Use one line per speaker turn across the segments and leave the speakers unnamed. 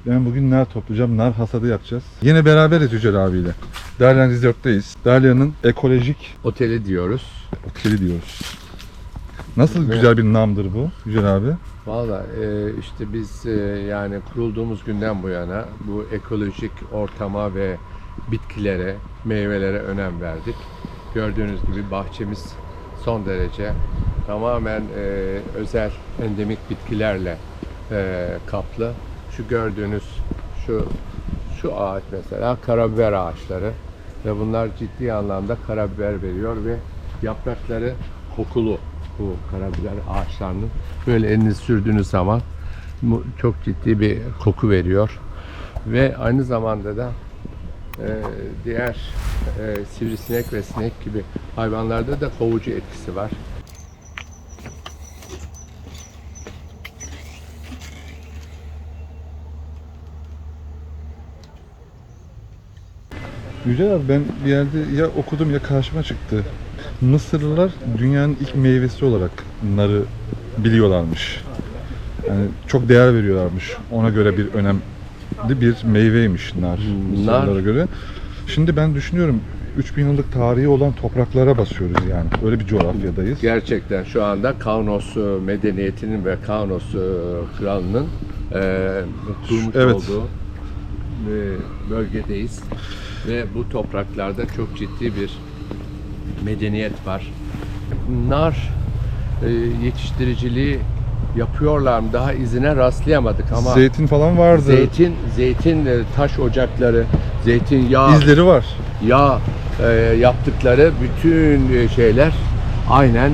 Ben bugün nar toplayacağım, nar hasadı yapacağız. Yine beraberiz Yücel abiyle. Dalyan Resort'tayız. Dalyan'ın ekolojik
Oteli diyoruz.
oteli diyoruz. Nasıl
Ve-
güzel bir namdır bu Yücel abi?
Valla işte biz yani kurulduğumuz günden bu yana bu ekolojik ortama ve bitkilere, meyvelere önem verdik. Gördüğünüz gibi bahçemiz son derece tamamen özel endemik bitkilerle kaplı. Şu gördüğünüz şu ağaç mesela karabiber ağaçları ve bunlar ciddi anlamda karabiber veriyor ve yaprakları kokulu bu karabiber ağaçlarının. Böyle elinizi sürdüğünüz zaman çok ciddi bir koku veriyor ve aynı zamanda da diğer sivrisinek ve sinek gibi hayvanlarda da kovucu etkisi var.
Yücel abi ben bir yerde ya okudum ya karşıma çıktı. Mısırlılar dünyanın ilk meyvesi olarak narı biliyorlarmış. Yani çok değer veriyorlarmış. Ona göre bir önemli bir meyveymiş nar. Mısırlılara göre. Şimdi ben düşünüyorum 3000 yıllık tarihi olan topraklara basıyoruz yani. Öyle bir coğrafyadayız.
Gerçekten şu anda Kaunos medeniyetinin ve Kaunos kralının kurmuş
Evet.
olduğu bölgedeyiz. Ve bu topraklarda çok ciddi bir medeniyet var. Nar yetiştiriciliği yapıyorlar mı? Daha izine rastlayamadık ama
Zeytin falan vardı.
zeytin taş ocakları, zeytinyağı,
İzleri var.
yağ yaptıkları bütün şeyler aynen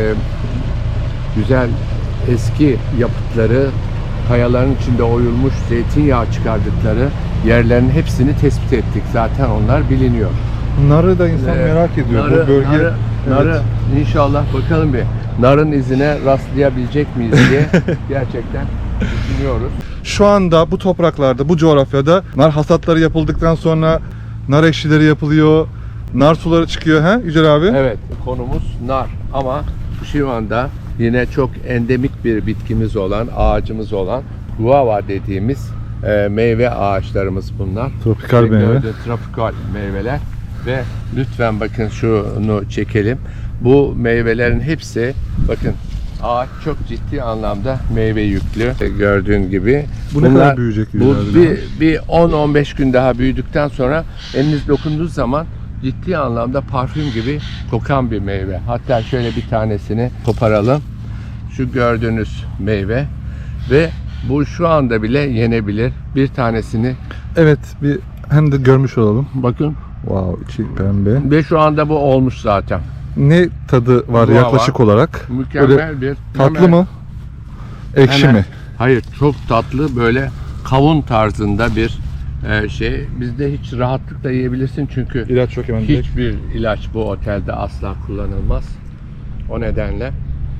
güzel eski yapıtları, kayaların içinde oyulmuş zeytinyağı çıkardıkları yerlerin hepsini tespit ettik. Zaten onlar biliniyor.
Narı da insan merak ediyor. Bu bölge
narı inşallah bakalım bir narın izine rastlayabilecek miyiz diye gerçekten düşünüyoruz.
Şu anda bu topraklarda, bu coğrafyada nar hasatları yapıldıktan sonra nar ekşileri yapılıyor, nar suları çıkıyor ha Yücel abi?
Evet, konumuz nar ama şu anda yine çok endemik bir bitkimiz olan, ağacımız olan guava dediğimiz meyve ağaçlarımız bunlar.
Tropikal
Ve
meyve.
Tropikal meyveler ve lütfen bakın şunu çekelim. Bu meyvelerin hepsi bakın ağaç çok ciddi anlamda meyve yüklü. Gördüğün gibi.
Bu ne kadar büyüyecek
Bu
Yücel abi?
bir 10-15 gün daha büyüdükten sonra eliniz dokunduğu zaman ciddi anlamda parfüm gibi kokan bir meyve. Hatta şöyle bir tanesini koparalım. Şu gördüğünüz meyve ve bu şu anda bile yenebilir. Bir tanesini
Evet, bir hem de görmüş olalım.
bakın
Wow, içi pembe.
ve şu anda bu olmuş zaten.
Ne tadı var
Guava.
yaklaşık olarak?
Mükemmel
Böyle
bir
tatlı
hemen-
mı? Ekşi
hemen-
mi?
Hayır, çok tatlı böyle kavun tarzında bir şey. Bizde hiç rahatlıkla yiyebilirsin çünkü
İlaç yok hemen direkt.
hiçbir ilaç bu otelde asla kullanılmaz. O nedenle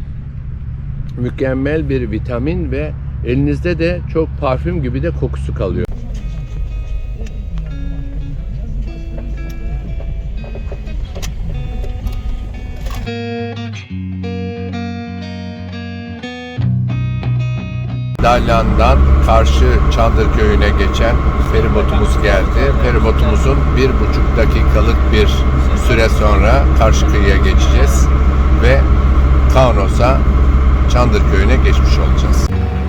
mükemmel bir vitamin ve elinizde de çok parfüm gibi de kokusu kalıyor. Dalyan'dan karşı Çandır Köyü'ne geçen feribotumuz geldi. Feribotumuzun 1,5 dakikalık bir süre sonra karşı kıyıya geçeceğiz ve Kaunos'a Çandır Köyü'ne geçmiş olacağız.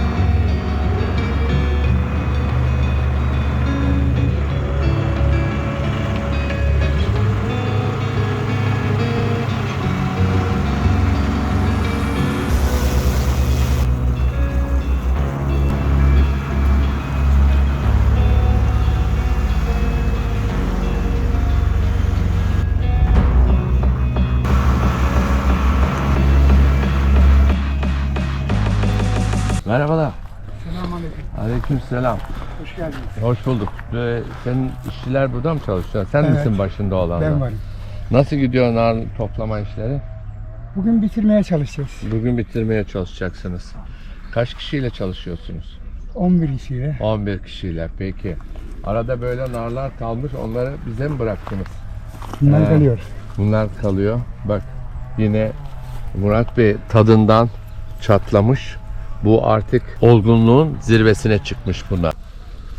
Merhabalar.
Selamünaleyküm.
Aleykümselam.
Hoş geldiniz.
Hoş bulduk. Senin işçiler burada mı çalışıyor? Sen
Evet.
misin başında olanlar?
Ben varım.
Nasıl gidiyor nar toplama işleri?
Bugün bitirmeye çalışacağız.
Bugün bitirmeye çalışacaksınız. Kaç kişiyle çalışıyorsunuz?
11 kişiyle.
11 kişiyle. Peki. Arada böyle narlar kalmış. Onları bize mi bıraktınız?
Bunlar kalıyor.
Bunlar kalıyor. Bak yine Murat Bey tadından çatlamış. Bu artık olgunluğun zirvesine çıkmış bunlar.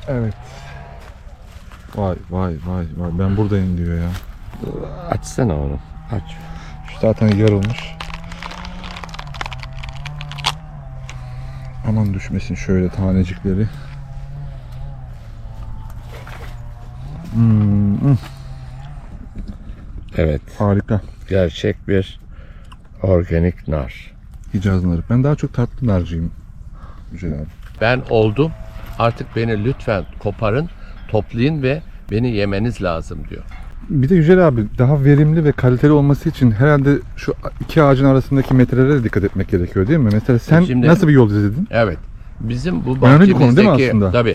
Evet. Vay vay vay vay. Ben buradayım diyor ya.
Açsana onu. Aç.
Şu zaten yarılmış. Aman düşmesin şöyle tanecikleri.
Evet.
Harika.
Gerçek bir organik nar.
Hicaz narı. Ben daha çok tatlı narcıyım. Güzel abi.
Ben oldum. Artık beni lütfen koparın, toplayın ve beni yemeniz lazım diyor.
Bir de Yücel abi daha verimli ve kaliteli olması için herhalde şu iki ağacın arasındaki metrelere de dikkat etmek gerekiyor değil mi? Mesela sen
Şimdi-
nasıl bir yol izledin?
Evet. Bizim bu
Önemli bir konu değil mi
bahçemizdeki
aslında?
tabii.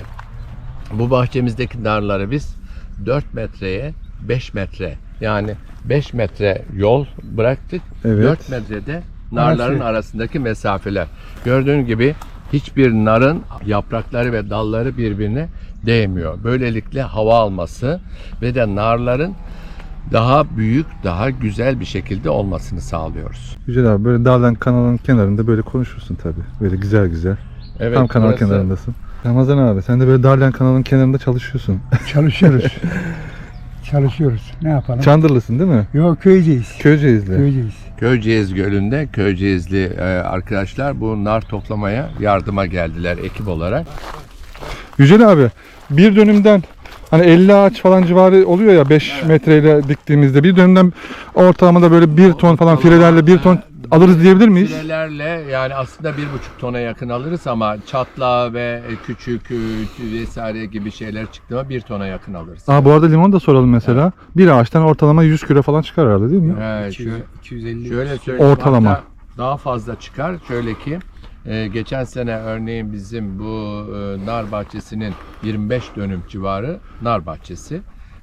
Bu bahçemizdeki narları biz 4 metreye 5 metre, yani 5 metre yol bıraktık.
Evet.
4 metrede narların
Arası.
arasındaki mesafeler. Gördüğün gibi hiçbir narın yaprakları ve dalları birbirine değmiyor. Böylelikle hava alması ve de narların daha büyük, daha güzel bir şekilde olmasını sağlıyoruz.
Yücel abi böyle dağdan kanalın kenarında böyle konuşursun tabii. Böyle güzel güzel.
Evet,
Tam kanal
burası-
kenarındasın. Ramazan abi sen de böyle Darlan kanalın kenarında çalışıyorsun.
Çalışıyoruz. Çalışıyoruz. Ne yapalım?
Çandırlısın değil mi?
Yok köyceğiz.
Köyceğizli.
Köyceğiz.
Köyceğiz Gölü'nde Köyceğizli arkadaşlar bu nar toplamaya yardıma geldiler ekip olarak.
Yücel abi bir dönümden hani 50 ağaç falan civarı oluyor ya 5 metreyle diktiğimizde bir dönümden ortalamada böyle 1 ton falan filelerle 1 ton alırız diyebilir miyiz?
Filelerle yani aslında 1,5 tona yakın alırız ama çatla ve küçük vesaire gibi şeyler çıktığında 1 tona yakın alırız.
Aa bu arada limon da soralım mesela. Bir ağaçtan ortalama 100 kilo falan çıkar herhalde değil mi?
İki- 250.
Şöyle söyleyeyim,
Ortalama.
hatta daha fazla çıkar. Şöyle ki geçen sene örneğin bizim bu nar bahçesinin 25 dönüm civarı nar bahçesi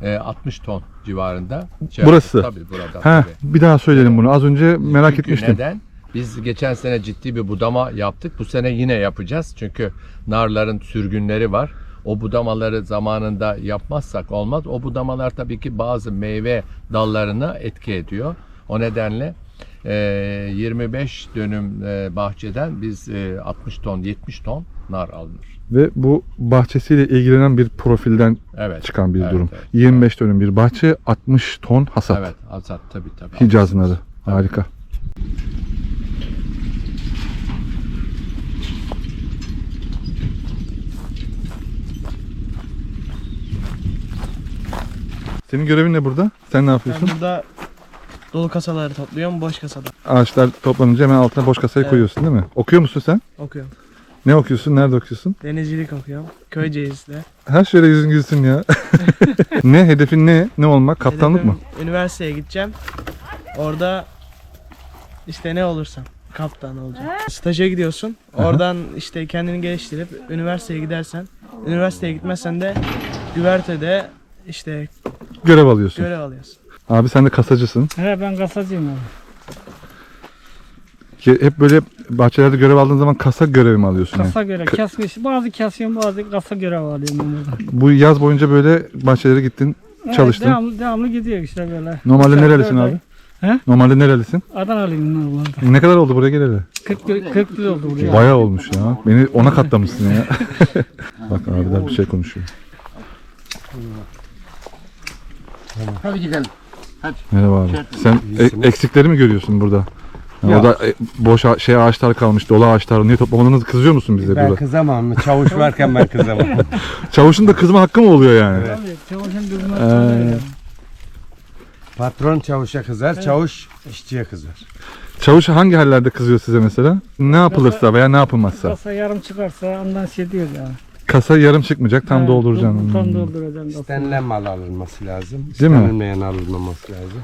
60 ton civarında.
Burası.
Tabii burada.
He,
tabii.
bir daha söyleyelim bunu. Az önce merak
Çünkü
etmiştim.
neden? Biz geçen sene ciddi bir budama yaptık. Bu sene yine yapacağız. Çünkü narların sürgünleri var. O budamaları zamanında yapmazsak olmaz. O budamalar tabii ki bazı meyve dallarına etki ediyor. O nedenle 25 dönüm bahçeden biz 60 ton, 70 ton nar alınır.
Ve bu bahçesiyle ilgilenen bir profilden
Evet.
çıkan bir
Evet,
durum.
evet.
25 dönüm bir bahçe, 60 ton hasat.
Evet, azat tabii.
Hicaz narı. Harika. Senin görevin ne burada? Sen ne
Ben
yapıyorsun?
burada dolu kasaları topluyorum, boş kasada
Ağaçlar toplanınca hemen altına boş kasayı
Evet.
koyuyorsun değil mi? Okuyor musun sen?
okuyorum.
Ne okuyorsun? Nerede okuyorsun?
Denizcilik okuyorum. Köyceğiz'de.
Her şöyle yüzün gülsün ya. Ne? Hedefin ne? Ne olmak? Kaptanlık mı?
Hedefim üniversiteye gideceğim. Orada işte ne olursam kaptan olacağım. Staja gidiyorsun. Oradan işte kendini geliştirip üniversiteye gidersen, üniversiteye gitmezsen de güvertede işte
Görev alıyorsun.
görev alıyorsun.
Abi sen de kasacısın.
He ben kasacıyım abi.
Hep böyle bahçelerde görev aldığın zaman kasa görevi mi alıyorsun? yani?
Kasa göre kesmiş. Bazı kesiyorum bazı kasa görev alıyorum ben burada.
Bu yaz boyunca böyle bahçelere gittin,
Evet,
çalıştın.
devamlı gidiyor işte böyle.
Normalde
Üç ay,
nerelisin
dört
abi?
ay. He?
Normalde nerelisin?
Adanalıyım normalde.
Ne kadar oldu buraya geleli?
40 yıl oldu buraya.
Bayağı olmuş ya. Beni ona katlamışsın ya. Bak abiler bir şey konuşuyor.
Hadi gidelim.
Merhaba abi. Sen eksikleri mi görüyorsun burada? Yani o da boş ağaçlar kalmış, dolu ağaçlar. Niye toplamadınız? Kızıyor musun bize
Ben
burada?
kızamam mı? Çavuş varken ben kızamam.
Çavuşun da kızma hakkı mı oluyor yani?
Tabii çavuşun durması
Patron çavuşa kızar, çavuş işçiye kızar.
Çavuş hangi hallerde kızıyor size mesela? Ne yapılırsa veya ne yapılmazsa?
Kasa yarım çıkarsa ondan şey diyor ya.
Kasa yarım çıkmayacak, tam dolduracaksın.
Tam dolduracaksın.
İstenilen mal alınması lazım.
Değil mi?
İstenilmeyen alınmaması lazım.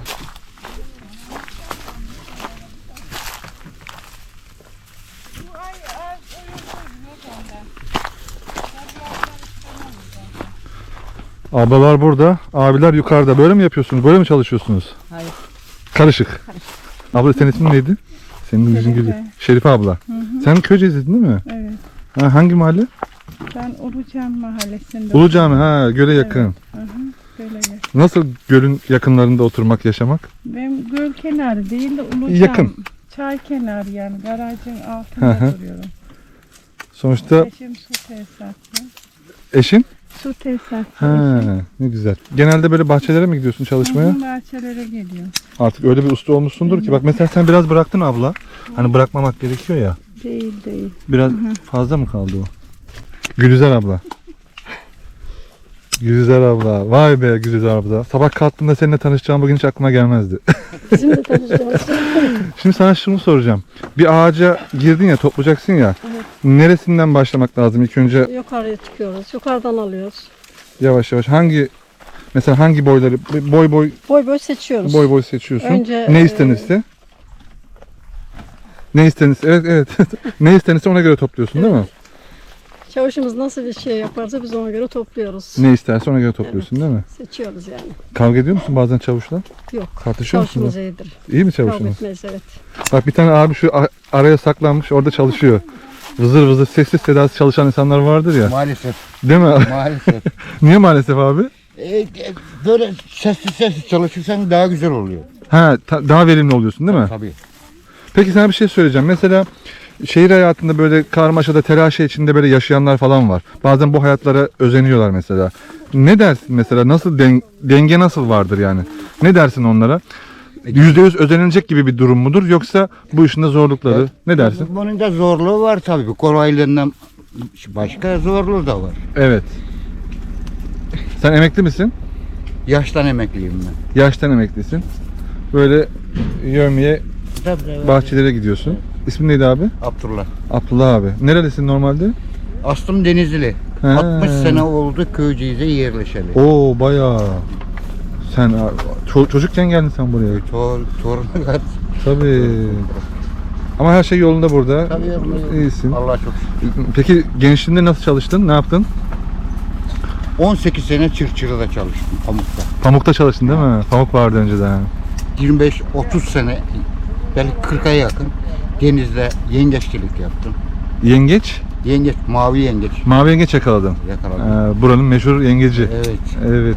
Ablalar burada, abiler yukarıda. Böyle mi yapıyorsunuz? Böyle mi çalışıyorsunuz?
Hayır.
Karışık. Abla senin ismin neydi? Senin yüzün gülüyor. Şerife abla. Sen Köyceğiz'din değil mi?
Evet.
Ha, hangi mahalle?
Ben Ulucan Mahallesi'nde.
Ulu Cami. Ha, göle yakın.
Böyle yer.
Nasıl gölün yakınlarında oturmak, yaşamak?
Benim göl kenarı değil de Ulucan.
Yakın.
Çay kenarı yani garajın
Hı
altında
hı.
duruyorum.
Sonuçta
Eşim su tesisatçı.
eşin
Su tesisatçı.
Ha, ne güzel. Genelde böyle bahçelere mi gidiyorsun çalışmaya?
Uzun bahçelere geliyor.
Artık öyle bir usta olmuşsundur ki. Bak mesela sen biraz bıraktın abla. Hani bırakmamak gerekiyor ya.
Değil.
Biraz fazla mı kaldı o? Gülizar abla. Gülizar abla. Vay be Gülizar abla. Sabah kalktığımda seninle tanışacağım bugün hiç aklıma gelmezdi.
Bizim de tanışacağız.
Şimdi sana şunu soracağım. Bir ağaca girdin ya, toplayacaksın ya. Neresinden başlamak lazım ilk önce?
Yukarıya çıkıyoruz. Yukarıdan alıyoruz.
Yavaş yavaş mesela hangi boyları boy
Boy seçiyoruz.
boy seçiyorsun.
Önce,
Ne istenirse? Ne istenirse? Evet. Ne istenirse ona göre topluyorsun değil mi?
Çavuşumuz nasıl bir şey yaparsa biz ona göre topluyoruz.
Ne isterse ona göre topluyorsun değil mi?
Seçiyoruz yani.
Kavga ediyor musun bazen çavuşla?
Yok.
Tartışıyor musunuz?
Çavuşumuz iyidir.
İyi mi
Kavga
çavuşunuz?
etmeyiz, evet.
Bak bir tane abi şu araya saklanmış orada çalışıyor. Vızır vızır sessiz sedasız çalışan insanlar vardır ya.
Maalesef.
Değil mi?
Maalesef.
Niye maalesef abi?
Böyle sessiz çalışırsan daha güzel oluyor.
Ha, daha verimli oluyorsun değil mi?
Tabii.
Peki sana bir şey söyleyeceğim. Mesela şehir hayatında böyle karmaşada, telaşı içinde böyle yaşayanlar falan var. Bazen bu hayatlara özeniyorlar mesela. Ne dersin mesela? Nasıl denge nasıl vardır yani? Ne dersin onlara? %100 özenilecek gibi bir durum mudur? Yoksa bu işin de zorlukları? Ne dersin?
Bunun da zorluğu var tabii. Kolaylığından başka zorluğu da var.
Evet. Sen emekli misin?
Yaştan emekliyim ben.
Yaştan emeklisin. Böyle yövmeye bahçelere gidiyorsun. İsmin neydi abi?
Abdullah.
Abdullah abi. Nerelisin normalde?
Aslım Denizli.
He.
60 sene oldu Köyceğiz'e yerleşeli.
Oo bayağı. Sen çocukken geldin sen buraya.
Torunu var.
Tabii. Ama her şey yolunda burada.
Tabii.
İyisin.
Allah çok şükür.
Peki gençliğinde nasıl çalıştın? Ne yaptın?
18 sene Çırçırı'da çalıştım Pamuk'ta.
Pamukta çalıştın değil mi? Pamuk vardı önceden.
25-30 sene, belki 40'a yakın denizde yengeççilik yaptım.
Yengeç?
Yengeç, mavi yengeç
Mavi yengeç yakaladın.
yakaladım.
Buranın meşhur yengeci.
Evet.
Evet.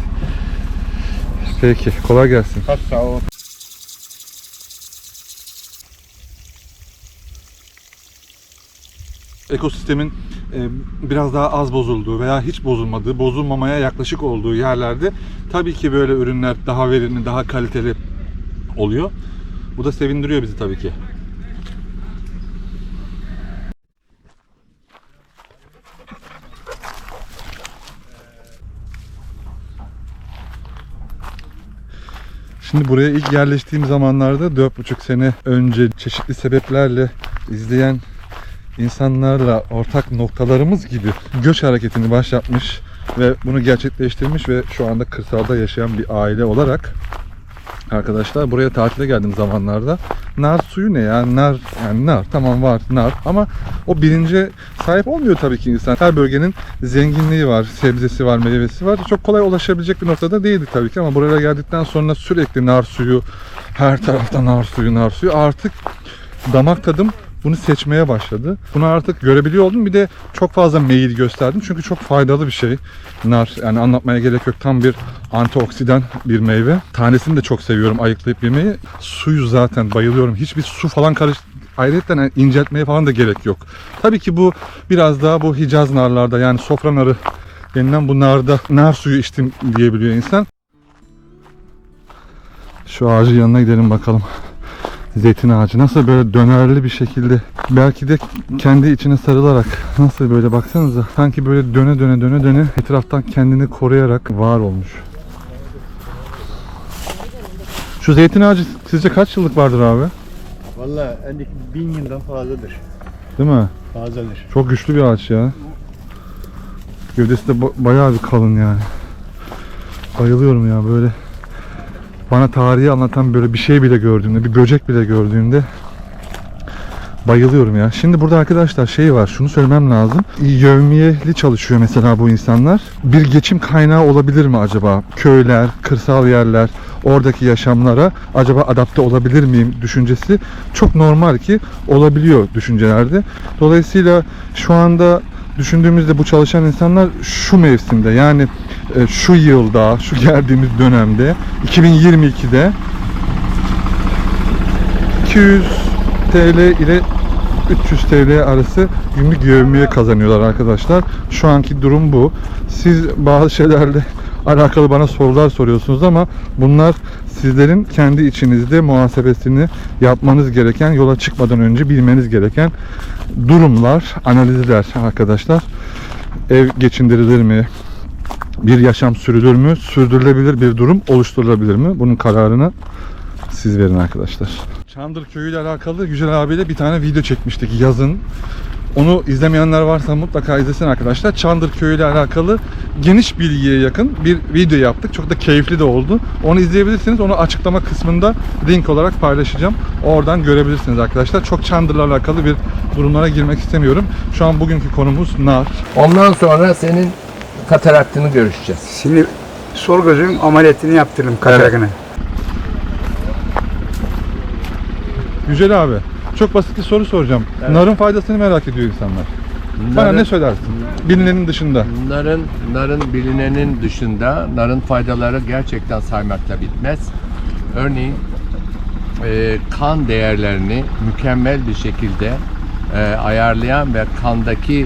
Peki kolay gelsin.
Kaç sağ ol.
Ekosistemin biraz daha az bozulduğu veya hiç bozulmadığı, bozulmamaya yaklaşık olduğu yerlerde tabii ki böyle ürünler daha verimli, daha kaliteli oluyor. Bu da sevindiriyor bizi tabii ki. Şimdi buraya ilk yerleştiğim zamanlarda 4,5 sene önce çeşitli sebeplerle izleyen insanlarla ortak noktalarımız gibi göç hareketini başlatmış ve bunu gerçekleştirmiş ve şu anda kırsalda yaşayan bir aile olarak arkadaşlar buraya tatile geldiğim zamanlarda nar suyu ne ya? Nar tamam var nar ama o bilince sahip olmuyor tabii ki insan. Her bölgenin zenginliği var, sebzesi var, meyvesi var. Çok kolay ulaşabilecek bir noktada değildi tabii ki ama buraya geldikten sonra sürekli nar suyu, her tarafta nar suyu artık damak tadım bunu seçmeye başladı. Bunu artık görebiliyor oldum. Bir de çok fazla meyil gösterdim. Çünkü çok faydalı bir şey. Nar yani anlatmaya gerek yok. Tam bir antioksidan bir meyve. Tanesini de çok seviyorum ayıklayıp yemeyi. Suyu zaten bayılıyorum. Hiçbir su falan ayrıca yani inceltmeye falan da gerek yok. Tabii ki bu biraz daha bu Hicaz narlarda yani sofra narı denilen bu narda nar suyu içtim diyebiliyor insan. Şu ağacın yanına gidelim bakalım. Zeytin ağacı nasıl böyle dönerli bir şekilde belki de kendi içine sarılarak nasıl böyle baksanıza sanki böyle döne etraftan kendini koruyarak var olmuş. Şu zeytin ağacı sizce kaç yıllık vardır abi?
Vallahi endeki 1000 yıldan fazladır.
Değil mi?
Fazladır.
Çok güçlü bir ağaç ya. Gövdesi de bayağı bir kalın yani. Bayılıyorum ya böyle. Bana tarihi anlatan böyle bir şey bile gördüğümde, bir böcek bile gördüğümde bayılıyorum ya. Şimdi burada arkadaşlar şey var, şunu söylemem lazım. Yevmiyeli çalışıyor mesela bu insanlar. Bir geçim kaynağı olabilir mi acaba? Köyler, kırsal yerler, oradaki yaşamlara acaba adapte olabilir miyim düşüncesi çok normal ki olabiliyor düşüncelerde. Dolayısıyla şu anda düşündüğümüzde bu çalışan insanlar şu mevsimde yani şu yılda, şu geldiğimiz dönemde 2022'de 200 TL ile TL arası günlük yevmiye kazanıyorlar arkadaşlar. Şu anki durum bu. Siz bazı şeylerle alakalı bana sorular soruyorsunuz ama bunlar sizlerin kendi içinizde muhasebesini yapmanız gereken, yola çıkmadan önce bilmeniz gereken durumlar, analizler arkadaşlar. Ev geçindirilir mi? Bir yaşam sürülür mü? Sürdürülebilir bir durum oluşturulabilir mi? Bunun kararını siz verin arkadaşlar. Çandır Köyü ile alakalı Yücel abiyle bir tane video çekmiştik yazın. Onu izlemeyenler varsa mutlaka izlesin arkadaşlar. Çandır Köyü ile alakalı geniş bilgiye yakın bir video yaptık. Çok da keyifli de oldu. Onu izleyebilirsiniz. Onu açıklama kısmında link olarak paylaşacağım. Oradan görebilirsiniz arkadaşlar. Çok Çandır'la alakalı bir durumlara girmek istemiyorum. Şu an bugünkü konumuz nar.
Ondan sonra senin kataraktını görüşeceğiz.
Şimdi sol gözün ameliyatını yaptırdım katarakını.
Yücel abi, çok basit bir soru soracağım.
Evet.
Narın faydasını merak ediyor insanlar. Bana ne söylersin? Bilinenin dışında.
Narın bilinenin dışında narın faydaları gerçekten saymakla bitmez. Örneğin kan değerlerini mükemmel bir şekilde ayarlayan ve kandaki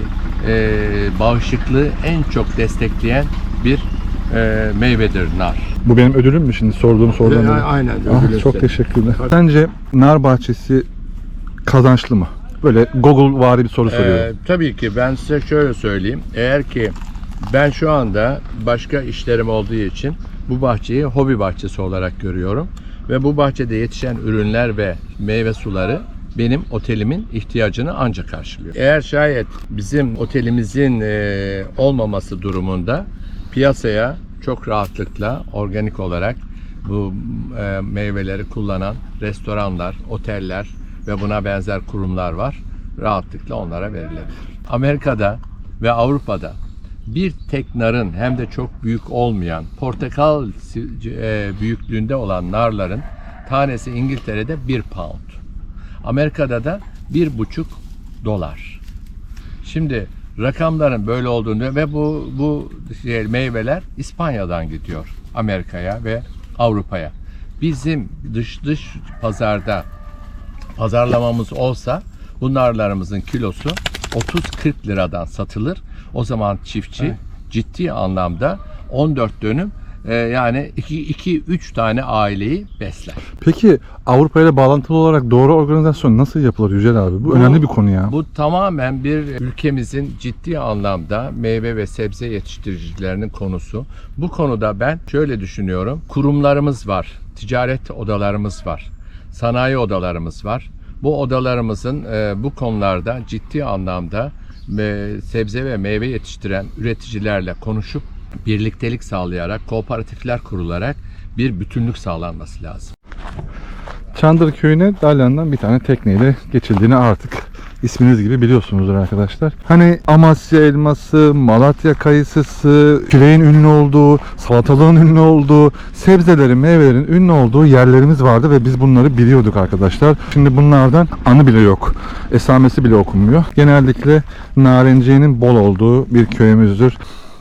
bağışıklığı en çok destekleyen bir meyvedir nar.
Bu benim ödülüm mü şimdi sorduğum sorudan dolayı?
Aynen.
Ah, çok teşekkürler. Sence nar bahçesi kazançlı mı? Böyle Google vari bir soru soruyorum.
Tabii ki ben size şöyle söyleyeyim. Eğer ki ben şu anda başka işlerim olduğu için bu bahçeyi hobi bahçesi olarak görüyorum. Ve bu bahçede yetişen ürünler ve meyve suları benim otelimin ihtiyacını ancak karşılıyor. Eğer şayet bizim otelimizin olmaması durumunda piyasaya çok rahatlıkla organik olarak bu meyveleri kullanan restoranlar, oteller ve buna benzer kurumlar var. Rahatlıkla onlara verilebilir. Amerika'da ve Avrupa'da bir tek narın hem de çok büyük olmayan portakal büyüklüğünde olan narların tanesi İngiltere'de 1 pound. Amerika'da da $1,5. Şimdi rakamların böyle olduğunu ve bu meyveler İspanya'dan gidiyor Amerika'ya ve Avrupa'ya. Bizim dış pazarda pazarlamamız olsa bu narlarımızın kilosu 30-40 liradan satılır. O zaman çiftçi ciddi anlamda 14 dönüm yani 2-3 tane aileyi besler.
Peki Avrupa ile bağlantılı olarak doğru organizasyon nasıl yapılır Yücel abi? Bu önemli bir konu ya.
Bu tamamen bir ülkemizin ciddi anlamda meyve ve sebze yetiştiricilerinin konusu. Bu konuda ben şöyle düşünüyorum. Kurumlarımız var, ticaret odalarımız var, sanayi odalarımız var. Bu odalarımızın bu konularda ciddi anlamda sebze ve meyve yetiştiren üreticilerle konuşup birliktelik sağlayarak, kooperatifler kurularak bir bütünlük sağlanması lazım.
Çandır Köyü'ne Dalyan'dan bir tane tekneyle geçildiğini artık isminiz gibi biliyorsunuzdur arkadaşlar. Hani Amasya elması, Malatya kayısısı, küreğin ünlü olduğu, salatalığın ünlü olduğu, sebzelerin, meyvelerin ünlü olduğu yerlerimiz vardı ve biz bunları biliyorduk arkadaşlar. Şimdi bunlardan anı bile yok. Esamesi bile okunmuyor. Genellikle narenciyenin bol olduğu bir köyümüzdür.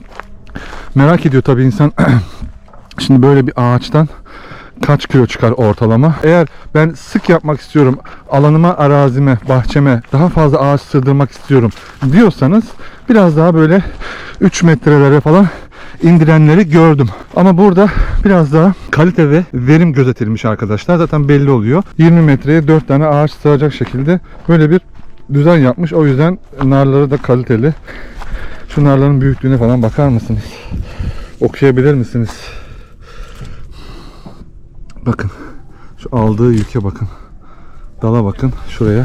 Merak ediyor tabii insan. Şimdi böyle bir ağaçtan kaç kilo çıkar ortalama? Eğer ben sık yapmak istiyorum, alanıma, arazime, bahçeme daha fazla ağaç sığdırmak istiyorum diyorsanız biraz daha böyle 3 metrelere falan indirenleri gördüm. Ama burada biraz daha kalite ve verim gözetilmiş arkadaşlar. Zaten belli oluyor. 20 metreye 4 tane ağaç sığacak şekilde böyle bir düzen yapmış. O yüzden narları da kaliteli. Şu narların büyüklüğüne falan bakar mısınız? Okuyabilir misiniz? Bakın. Şu aldığı yüke bakın. Dala bakın. Şuraya.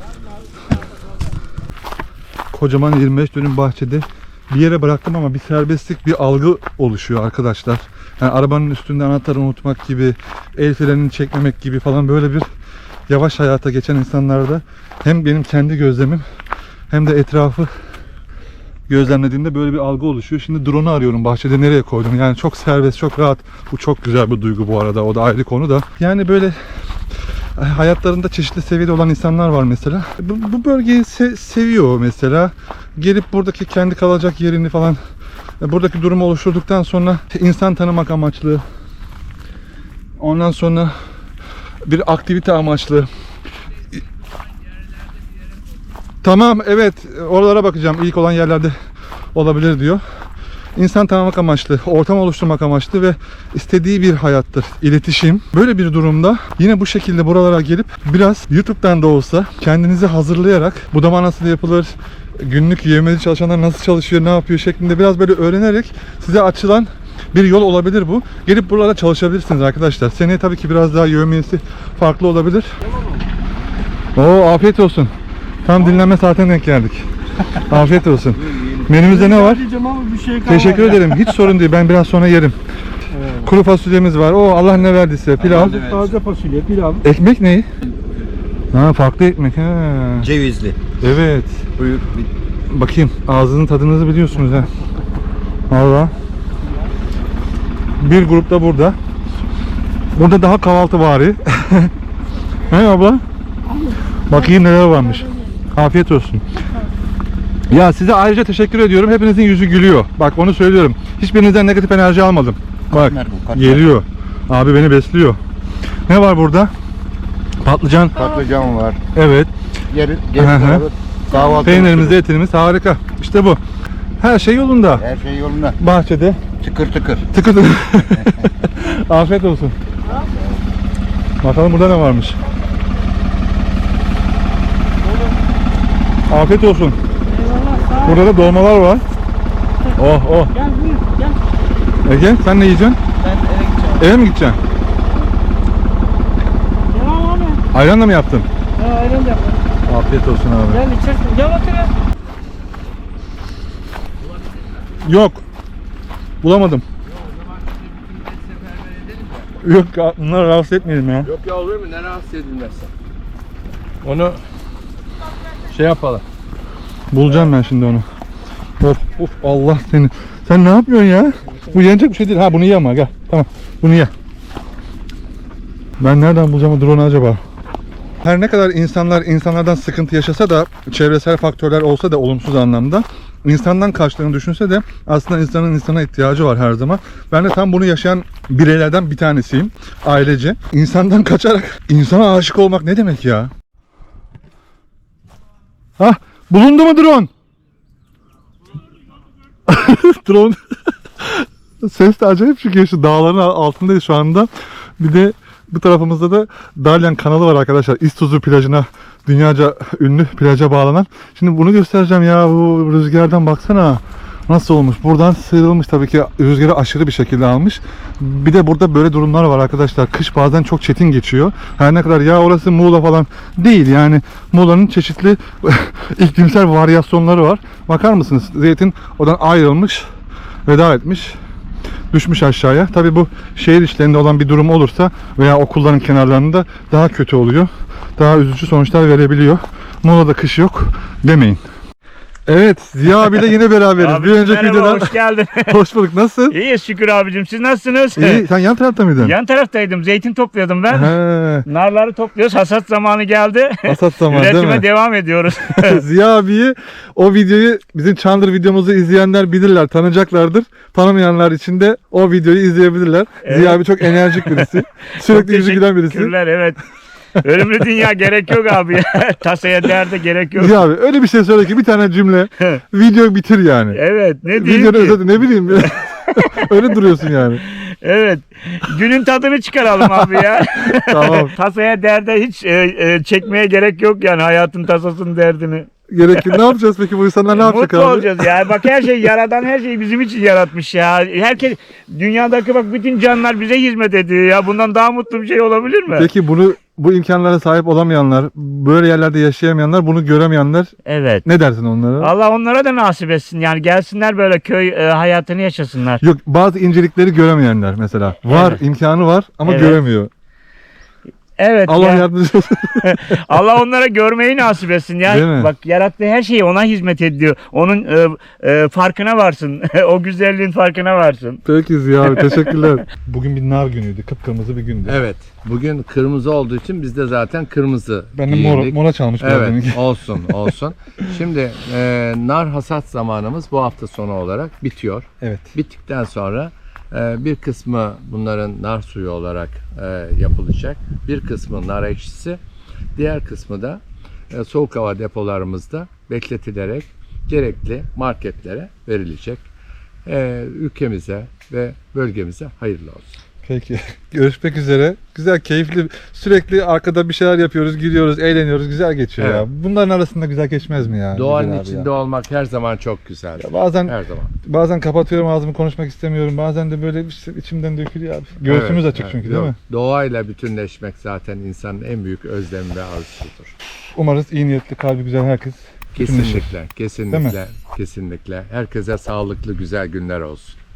Kocaman 25 dönüm bahçede bir yere bıraktım ama bir serbestlik, bir algı oluşuyor arkadaşlar. Yani arabanın üstünde anahtarı unutmak gibi, el frenini çekmemek gibi falan böyle bir yavaş hayata geçen insanlarda hem benim kendi gözlemim hem de etrafı gözlemlediğimde böyle bir algı oluşuyor. Şimdi drone'u arıyorum bahçede, nereye koydum? Yani çok serbest, çok rahat. Bu çok güzel bir duygu bu arada. O da ayrı konu da. Yani böyle hayatlarında çeşitli seviyede olan insanlar var mesela. Bu bölgeyi seviyor mesela. Gelip buradaki kendi kalacak yerini falan, buradaki durumu oluşturduktan sonra insan tanımak amaçlı, ondan sonra bir aktivite amaçlı Tamam, evet, oralara bakacağım. İlk olan yerlerde olabilir diyor. İnsan tanımak amaçlı, ortam oluşturmak amaçlı ve istediği bir hayattır. İletişim. Böyle bir durumda yine bu şekilde buralara gelip biraz YouTube'dan da olsa kendinizi hazırlayarak budama nasıl yapılır, günlük yevmiyeli çalışanlar nasıl çalışıyor, ne yapıyor şeklinde biraz böyle öğrenerek size açılan bir yol olabilir bu. Gelip buralara çalışabilirsiniz arkadaşlar. Seneye tabii ki biraz daha yevmiyesi farklı olabilir. Oo, afiyet olsun. Tam dinlenme saatine denk geldik. Afiyet olsun. Menümüzde ne var? Teşekkür ederim. Hiç sorun değil. Ben biraz sonra yerim. Kuru fasulyemiz var. Oo, Allah ne verdiyse. Pilav.
Taze fasulye, pilav.
Ekmek ne? Ha, farklı ekmek. Ha.
Cevizli.
Evet.
Buyur.
Bakayım. Ağzının tadınızı biliyorsunuz ha. Valla. Bir grup da burada. Burada daha kahvaltı bari. He abla? Bakayım neler varmış. Afiyet olsun. Ya size ayrıca teşekkür ediyorum. Hepinizin yüzü gülüyor. Bak onu söylüyorum. Hiçbirinizden negatif enerji almadım. Bak geliyor. Abi beni besliyor. Ne var burada? Patlıcan.
Patlıcan var.
Evet.
Kahvaltı.
Peynirimiz, etimiz harika. İşte bu. Her şey yolunda.
Her şey yolunda.
Bahçede.
Tıkır tıkır.
Tıkır tıkır. Afiyet olsun. Bakalım burada ne varmış. Afiyet olsun. Burada da dolmalar var. Oh oh.
Gel buyur gel.
Ege sen ne yiyeceksin?
Ben eve gideceğim.
Eve mi gideceksin?
Devam abi.
Ayranla mı yaptın?
Ha ayran da yapalım.
Afiyet olsun abi.
Gel içersin. Gel otur ya.
Yok. Bulamadım. Yok bunları rahatsız etmeyelim ya.
Yok ya, olur mu? Ne rahatsız edilmezsen. Onu şey yapalım.
Bulacağım ben şimdi onu. Of of Allah seni. Sen ne yapıyorsun ya? Bu yenecek bir şey değil. Ha bunu ye ama gel. Tamam. Bunu ye. Ben nereden bulacağım o drone'u acaba? Her ne kadar insanlardan sıkıntı yaşasa da, çevresel faktörler olsa da olumsuz anlamda, insandan kaçtığını düşünse de aslında insanın insana ihtiyacı var her zaman. Ben de tam bunu yaşayan bireylerden bir tanesiyim. Ailece. İnsandan kaçarak insana aşık olmak ne demek ya? Hah, bulundu mu drone? Drone. Ses de acayip çıkıyor, şu dağların altındayız şu anda. Bir de bu tarafımızda da Dalyan kanalı var arkadaşlar. İztuzu plajına, dünyaca ünlü plaja bağlanan. Şimdi bunu göstereceğim ya, bu rüzgardan baksana. Nasıl olmuş? Buradan sıyrılmış, tabii ki rüzgarı aşırı bir şekilde almış. Bir de burada böyle durumlar var arkadaşlar. Kış bazen çok çetin geçiyor. Her ne kadar ya orası Muğla falan değil yani. Muğla'nın çeşitli iklimsel varyasyonları var. Bakar mısınız? Zeytin oradan ayrılmış, veda etmiş, düşmüş aşağıya. Tabii bu şehir içlerinde olan bir durum olursa veya okulların kenarlarında daha kötü oluyor. Daha üzücü sonuçlar verebiliyor. Muğla'da kış yok demeyin. Evet, Ziya abiyle yine beraberiz.
Abi,
bir önceki
merhaba,
videodan...
hoş geldin.
Hoş bulduk. Nasılsın?
İyiyiz şükür abicim. Siz nasılsınız?
İyi. Sen yan tarafta mıydın?
Yan taraftaydım. Zeytin topluyordum ben.
He,
Narları topluyoruz. Hasat zamanı geldi.
hasat zamanı değil
Üretime
mi?
devam ediyoruz.
Ziya abiyi, o videoyu, bizim Çandır videomuzu izleyenler bilirler, tanıyacaklardır. Tanımayanlar için de o videoyu izleyebilirler.
Evet.
Ziya abi çok enerjik birisi.
Çok
Sürekli yüzü gülen birisi.
teşekkürler, evet. Ölümlü dünya gerek yok abi. Tasaya derde gerek yok.
Ziya abi öyle bir şey söyle ki bir tane cümle videoyu bitir yani.
Evet, ne diyeyim
Videonun
ki?
özeti ne bileyim. Öyle duruyorsun yani.
Evet. Günün tadını çıkaralım abi ya.
Tamam.
Tasaya derde hiç çekmeye gerek yok yani, hayatın tasasının derdini.
Gerekli. Ne yapacağız peki, bu insanlar ne yapacak
Mutlu
abi?
olacağız ya. Bak her şey, yaradan her şeyi bizim için yaratmış ya. Herkes, dünyadaki bak bütün canlılar bize hizmet ediyor ya. Bundan daha mutlu bir şey olabilir mi?
Peki bu imkanlara sahip olamayanlar, böyle yerlerde yaşayamayanlar, bunu göremeyenler,
Evet.
ne dersin onlara?
Allah onlara da nasip etsin. Yani gelsinler böyle köy hayatını yaşasınlar.
Yok, bazı incelikleri göremeyenler mesela. Var,
Evet.
imkanı var ama
Evet.
göremiyor.
Evet.
Allah
ya.
yardımcısı olsun.
Allah onlara görmeyi nasip etsin.
Değil mi?
Yani bak, yarattığı her şey ona hizmet ediyor. Onun farkına varsın. O güzelliğin farkına varsın.
Peki Ziya abi, teşekkürler. Bugün bir nar günüydü, kıpkırmızı bir gündü.
Evet. Bugün kırmızı olduğu için biz de zaten kırmızı
Ben de
giyindik.
mora çalmış biraz
Evet,
deminki.
olsun. Şimdi nar hasat zamanımız bu hafta sonu olarak bitiyor.
Evet.
Bittikten sonra bir kısmı bunların nar suyu olarak yapılacak. Bir kısmı nar ekşisi. Diğer kısmı da soğuk hava depolarımızda bekletilerek gerekli marketlere verilecek. Ülkemize ve bölgemize hayırlı olsun.
Peki. Görüşmek üzere. Güzel, keyifli. Sürekli arkada bir şeyler yapıyoruz, gülüyoruz, eğleniyoruz. Güzel geçiyor
Evet.
ya. Bunların arasında güzel geçmez mi ya?
Doğanın
Güzel abi
içinde
ya.
olmak her zaman çok güzel.
Ya bazen
Her zaman.
bazen kapatıyorum ağzımı, konuşmak istemiyorum. Bazen de böyle işte içimden dökülüyor abi. Göğsümüz
Evet,
açık
evet.
çünkü değil mi?
Doğayla bütünleşmek zaten insanın en büyük özlemi ve arzusudur.
Umarız iyi niyetli, kalbi güzel herkes bütünleşir.
Kesinlikle, kesinlikle, kesinlikle. Herkese sağlıklı, güzel günler olsun.